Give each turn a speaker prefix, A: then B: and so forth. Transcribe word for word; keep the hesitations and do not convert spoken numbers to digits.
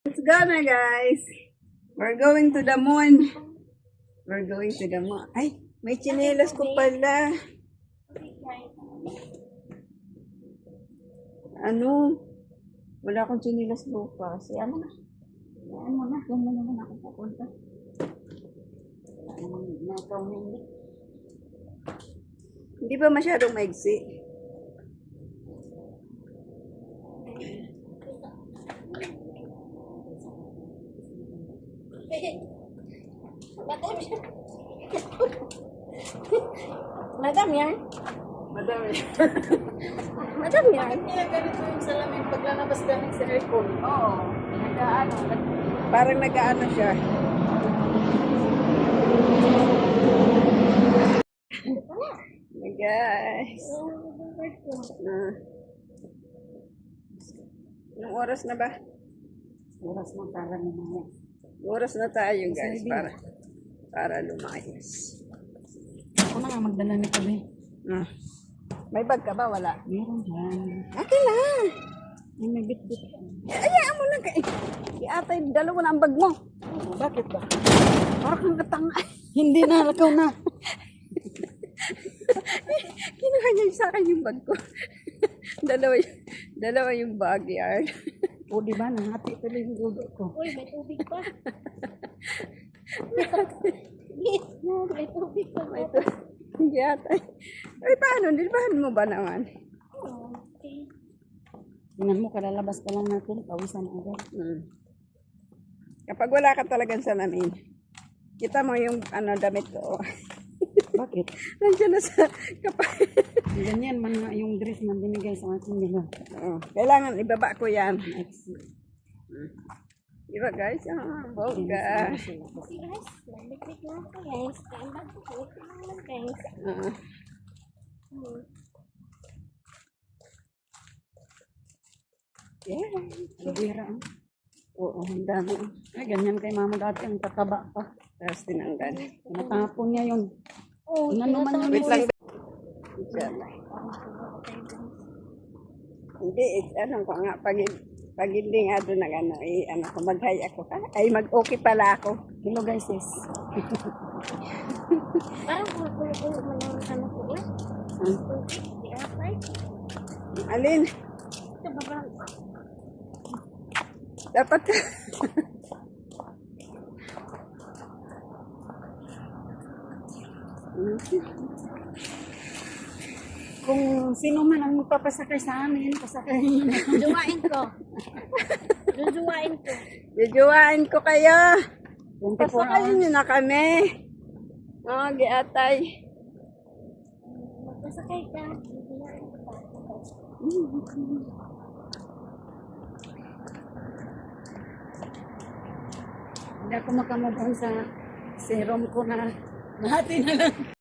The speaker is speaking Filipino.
A: Let's go na, guys. We're going to the moon. We're going to the moon. Ay, may tsinelas ko pala. Ano? Wala akong tsinelas bukas. Yan mo na. Yan mo na. Yan mo naman ako pupunta. Hindi ba masyadong maigsi?
B: Madam yan. Madam yan.
A: Madami.
B: Madam yan.
C: Kaya ganito yung salamin paglalabas galing sa aircon.
A: Oo. Nag-ano. Parang nag-ano siya. Hey guys. Uh, Anong oras na ba?
C: Oras mo para naman.
A: Oras na tayo guys para para lumayas.
C: Ako na nga magdala ni Kabe.
A: Ah. May bag ka ba? Wala.
C: Meron dyan.
A: Akin lang.
C: Ay, may bit-bit.
A: Ayaan mo lang. Iatay, dalawa na ang bag mo.
C: Oh, bakit ba?
A: Parang kang katanga.
C: Hindi na, lakaw na.
A: Kinuha niya sa akin yung bag ko. dalawa, yung, dalawa yung backyard.
C: O, di ba? Nahati tuloy yung gulo ko.
B: Uy, may tubig pa. May tubig pa.
A: May ito. Yata. Ay, paano? Nilbahan mo ba naman?
B: Oh, okay.
C: Tingnan mo, kalalabas pa lang natin. Pawisan agad.
A: Hmm. Kapag wala ka talagang salamin, kita mo yung ano damit ko.
C: Bakit?
A: Nandiyan na sa kapag.
C: Ganyan man nga yung dress man binigay sa akin. Diba?
A: Oh, kailangan ibaba ko yan.
C: Ex-
A: Diba guys? Ah, bongga.
B: Okay guys, nagliklik na ako guys. Stand up po. Tingnan guys.
A: Ah.
B: Hmm.
A: Yeah.
C: Bira. ah.
A: Oo, ang dami.
C: Ay, ganyan kay mama dati. Ang tataba pa.
A: Tapos tinanggal.
C: Natapon niya yun.
B: Oh,
C: Ano naman yun?
A: Wait lang. Inshallah. Hindi, eh, ano ko nga, pag, pag hindi nga doon nag ano, eh, ano ko, mag-hi ako. Ah, ay, mag-okay pala ako.
C: Hello guys, sis.
B: parang kumukulo mo lang ano ko eh.
C: Hmm?
B: Di apay.
A: Alin,
B: Ito ba ba?
A: dapat ka.
C: Kung sino man ang magpapasakay sa amin, pasakay.
B: Jujuwain ko. Jujuwain ko.
A: Jujuwain ko kayo.
C: twenty-four
A: Pasakayin
C: hours.
A: nyo na kami. Oo, giatay.
B: Magpasakay ka. Jujuwain ko pa.
C: Hindi ako makamove on sa serum ko na nahati na lang.